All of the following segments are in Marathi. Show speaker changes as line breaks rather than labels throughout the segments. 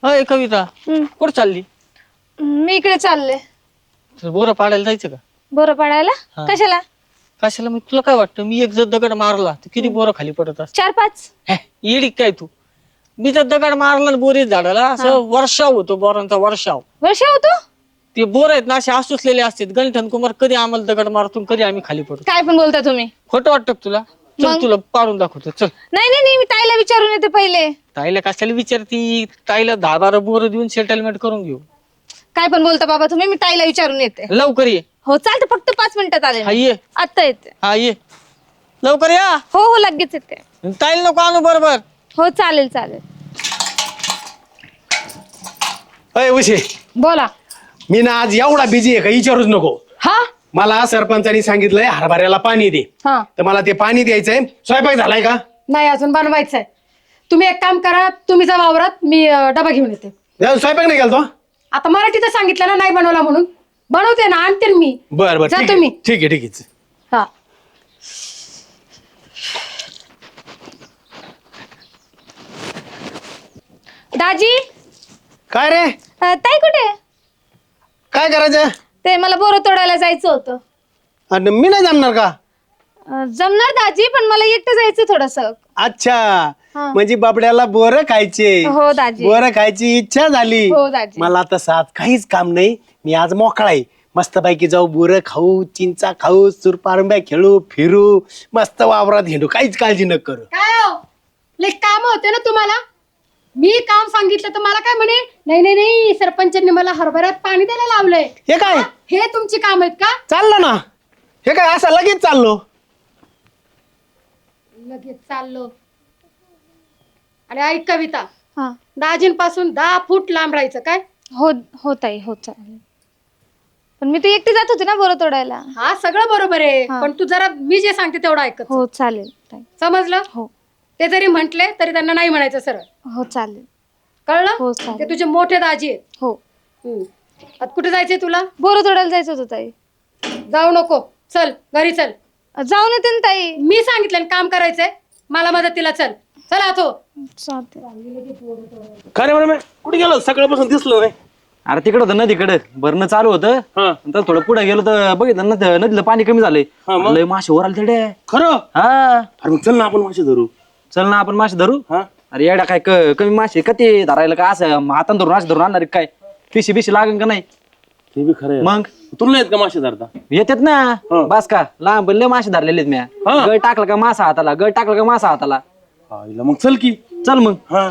अय कविता कुठं चालली?
मी इकडे चालले.
बोरं पाडायला जायचं का?
बोरं पाडायला?
हा.
कशाला?
कशाला? मग तुला काय वाटतं मी एक जर दगड मारला तर किती बोरं खाली पडत असत?
4-5.
येडी काय तू? मी जर दगड मारला बोरीच झाडाला असं वर्षाव होतो, बोरांचा वर्षाव.
वर्ष होतो?
ते बोर आहेत ना असे आसुसलेले असतात. गणठण कुमार कधी आम्हाला दगड मारतो कधी आम्ही खाली पडतो.
काय पण बोलता तुम्ही?
खोटं वाटतं का तुला? चल
मग?
तुला पाडून दाखवतो चल.
नाही नाही नाही, मी ताईला विचारून येते पहिले.
ताईला कशाला विचारती? ताईला 10-12 बोरं देऊन सेटलमेंट करून घेऊ.
काय पण बोलता बाबा तुम्ही, मी ताईला विचारून येते.
लवकर ये.
हो चालतं, फक्त 5 मिनिटात आले
हा
मी.
ये.
आता येते.
हा ये लवकर या.
हो हो लगेच येते.
ताईला नको आणू बरोबर.
हो चालेल चालेल.
अय उशे,
बोला.
मी ना आज एवढा बिझी आहे का विचारूच नको.
हा
मला सरपंचानी सांगितलंय हरभऱ्याला पाणी दे.
हा.
तर मला ते पाणी द्यायचंय. स्वयंपाक झालाय का?
नाही अजून बनवायचंय. तुम्ही एक काम करा, तुम्ही जा वावरात, मी डबा घेऊन येते.
स्वयंपाक नाही केला तो?
आता मराठीत सांगितलं ना नाही बनवला म्हणून. बनवते ना, आणते ना मी.
बर बर
जा
ठीक
तुम्ही.
आहे ठीक आहे ठीक आहे.
हा.
दाजी.
काय रे?
ताई कुठे?
काय करायचं?
ते मला बोरं तोडायला जायचं होतं.
आणि मी नाही जमणार का?
जमणार दाजी, पण मला एकटं जायचं थोडस.
अच्छा,
हा.
म्हणजे बाबड्याला बोर खायचे.
हो दाजी.
बोर खायची इच्छा झाली.
हो दाजी.
मला तसं आज काहीच काम नाही. मी आज मोकळा आहे. मस्तपैकी जाऊ, बोरं खाऊ, चिंचा खाऊ, सुरपारंब्या खेळू, फिरू, मस्त वावरात हिंडू, काहीच काळजी न करू.
काय हो, लय काम होते ना तुम्हाला. मी काम सांगितलं तर मला काय म्हणे, नाही नाही नाही सरपंचांनी मला हरभऱ्यात पाणी द्यायला लावलंय.
हे काय
हे तुमची काम आहेत का?
चाललं ना? हे काय असं लगेच चाललो?
लगेच चाललो. आणि ऐक कविता,
हा.
दाजींपासून 10 फूट लांब राहायचं काय?
हो हो ताई, हो चालेल. पण मी तर एकटी जात होते ना बोरं तोडायला.
हा सगळं बरोबर आहे,
हा.
पण तू जरा मी जे सांगते तेवढं ऐकत जा.
हो चालेल ताई.
समजलं?
हो
ते जरी म्हंटले तरी त्यांना नाही म्हणायचं सरळ.
हो चालेल.
कळलं?
हो, चालेल.
ते तुझे मोठे दाजी आहेत.
हो.
आता कुठे जायचंय तुला?
बोरं तोडायला जायचं होतं ताई.
जाऊ नको, चल घरी चल.
जाऊन येते ना ताई.
मी सांगितलं ना काम करायचंय, मला मदतीला चल. चला तो.
चालते.
खरे बरं, कुठे गेलो? सकाळपासून दिसलो नाही.
अरे तिकडं होतं नदीकडे भरणं चालू होतं. नंतर थोडं पुढे गेलो तर बघितलं ना नदीला पाणी कमी झालंय. लय मासे वर आले तिकडे.
खरं?
हा
अरे मग चल ना आपण मासे धरू.
चल ना आपण मासे धरू.
हा?
अरे येड्या काय कमी मासे का ते धरायला का असं हातान धरून मासे धरून आणणार काय? पिशी बिशी लागेल का नाही?
ते बी खरं.
मग
तुला येत का मासे धरता?
येतात ना. बस का लांब लय मासे धरलेले आहेत म्या. गळ टाकलं का मासा हाताला, गळ टाकलं का मासा हाताला.
मग चल की.
चल मग.
हा.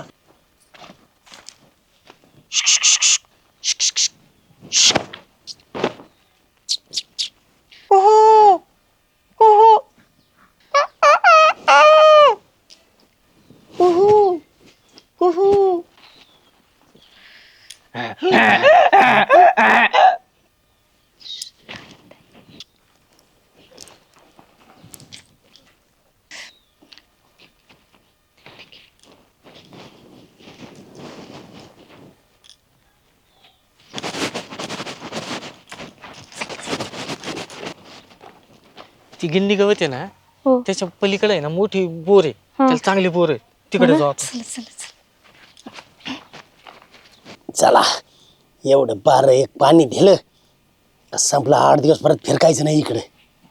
ती गिंडी गवत आहे ना
हो.
त्याच्या पलीकडे आहे ना मोठी बोर आहे. त्याला चांगली बोर आहे, तिकडे जाऊ आपण.
चला चला चला.
चला, एवढं 12-1 पाणी दिलं संपलं. 8 दिवस परत फिरकायचं नाही इकडे.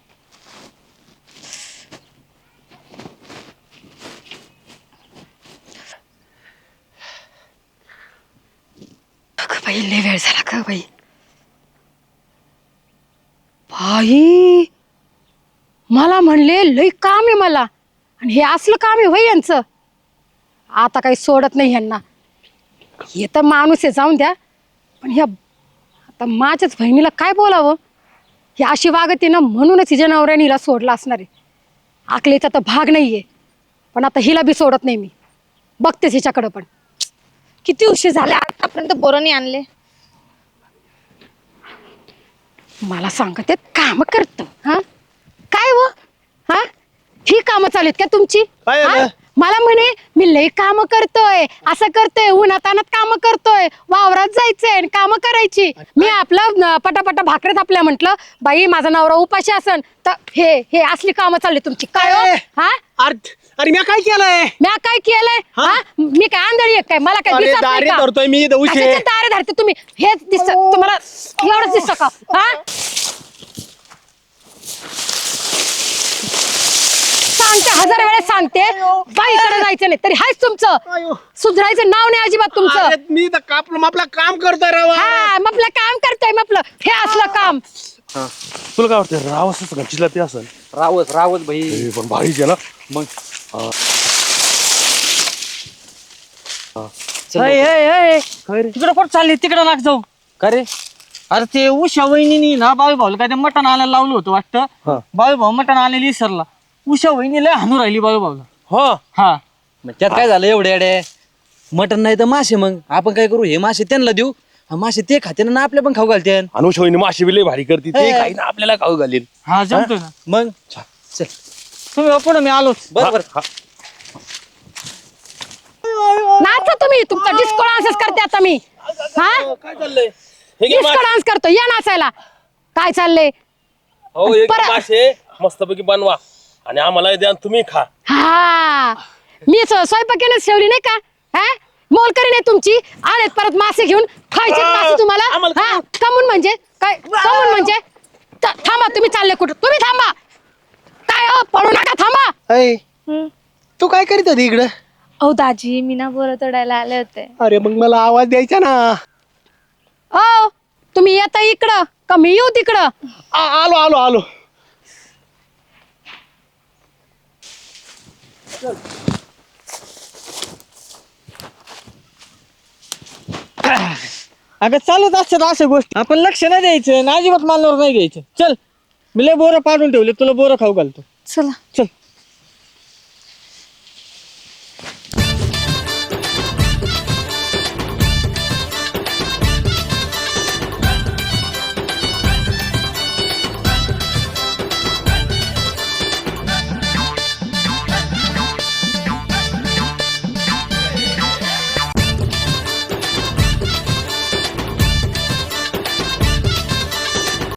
बाई लय वेळ झाला का बाई. बाई मला म्हणले लय काम आहे मला, आणि हे असलं काम आहे होय यांचं. आता काही सोडत नाही यांना. हे तर माणूस आहे, जाऊन द्या. पण ह्या आता माझ्याच बहिणीला काय बोलावं. ही अशी वागते ना, म्हणूनच हिच्या नवऱ्याने हिला सोडला असणार आहे. आकलीचा तर भाग नाहीये, पण आता हिला बी सोडत नाही मी. बघतेच हिच्याकडं पण.
किती उशीर झाले, आतापर्यंत बोरं नाही आणले.
मला सांगते काम करत हा काय व हा ही कामं चालू आहेत का तुमची?
काय
हा?
झालं?
मला म्हणे मी लय काम करतोय, असं करतोय, उन्हातानात काम करतोय, वावरात जायचंय आणि काम करायची. मी आपलं पटापटा भाकऱ्यात आपल्या म्हंटल बाई माझा नवरा उपाशी असन तर हे असली कामं चालली तुमची काय हो? हा
अरे अरे मी काय केलंय
म्या काय केलंय हा मी काय आंधळी आहे काय मला काय
अरे
दिसत नाही
दारे
का?
धरतोय मी इथं उशे
कशाचे दारे धरते तुम्ही हेच दिसत तुम्हाला एवढंच दिसतं का हा सांगते 1000 वेळेस सांगते बाईकडे जायचं नाही तरी हायच तुमचं सुधरायचं नाव नाही अजिबात तुमचं
अरे मी तर कापलं आपलं काम करतोय राव
हा मग आपलं काम करतोय मग आपलं हे असलं काम
तुला काय वाटतं राव असं गंचीला ते असेल
रावत भाई
पण भारीच आहे ना
मग
तिकडे कुठं चालली तिकडे लाग जाऊ
का रे
अरे ते उषा वहिनी ना बावी भाऊला काय ते मटण आणायला लावलं होतं वाटतं बावी भाऊ मटण आणायला विसरला उषा वहिनी लय हाणू राहिली बावी भाऊला
हा
हा
मग त्यात काय झालं एवढे अडे मटण नाही तर मासे मग आपण काय करू हे मासे त्यांना देऊ हा मासे ते खाते ना आपल्या पण खाऊ घालते
अनुषवणी माशी बी लय भारी करते ते काही ना आपल्याला खाऊ घालील
हा जमतोय ना
मग चल
तुम्ही पुढे मी आलोच
बरोबर
नाचा तुम्ही तुमचा डिस्को डान्सच करते आता मी हा
काय चाललंय
डिस्को डान्स करतो या नाचायला काय चाललंय
हो एक
परत-
मासे मस्तपैकी बनवा आणि आम्हाला द्या आणि तुम्ही खा
हा मी स्वयंपाकीनच ठेवली नाही का हा मोलकरी नाही तुमची आलेत परत मासे घेऊन खायचे मासे तुम्हाला हा कमून म्हणजे काय कमून म्हणजे थांबा तुम्ही चालले कुठं तुम्ही थांबा काय हो पळू नका थांबा
अय तू काय करीत होती इकडं
अहो दाजी मी ना बोरं तोडायला आले होते.
अरे मग मला आवाज द्यायचा ना
हो तुम्ही येता इकडं का मी येऊ तिकडं
आलो आलो आलो
अगं चालत असतात अशा गोष्टी आपण लक्ष नाही द्यायचं आणि अजिबात मानवर नाही घ्यायचं चल मी लय बोरं पाडून ठेवले तुला बोरं खाऊ घालतो
चला
चल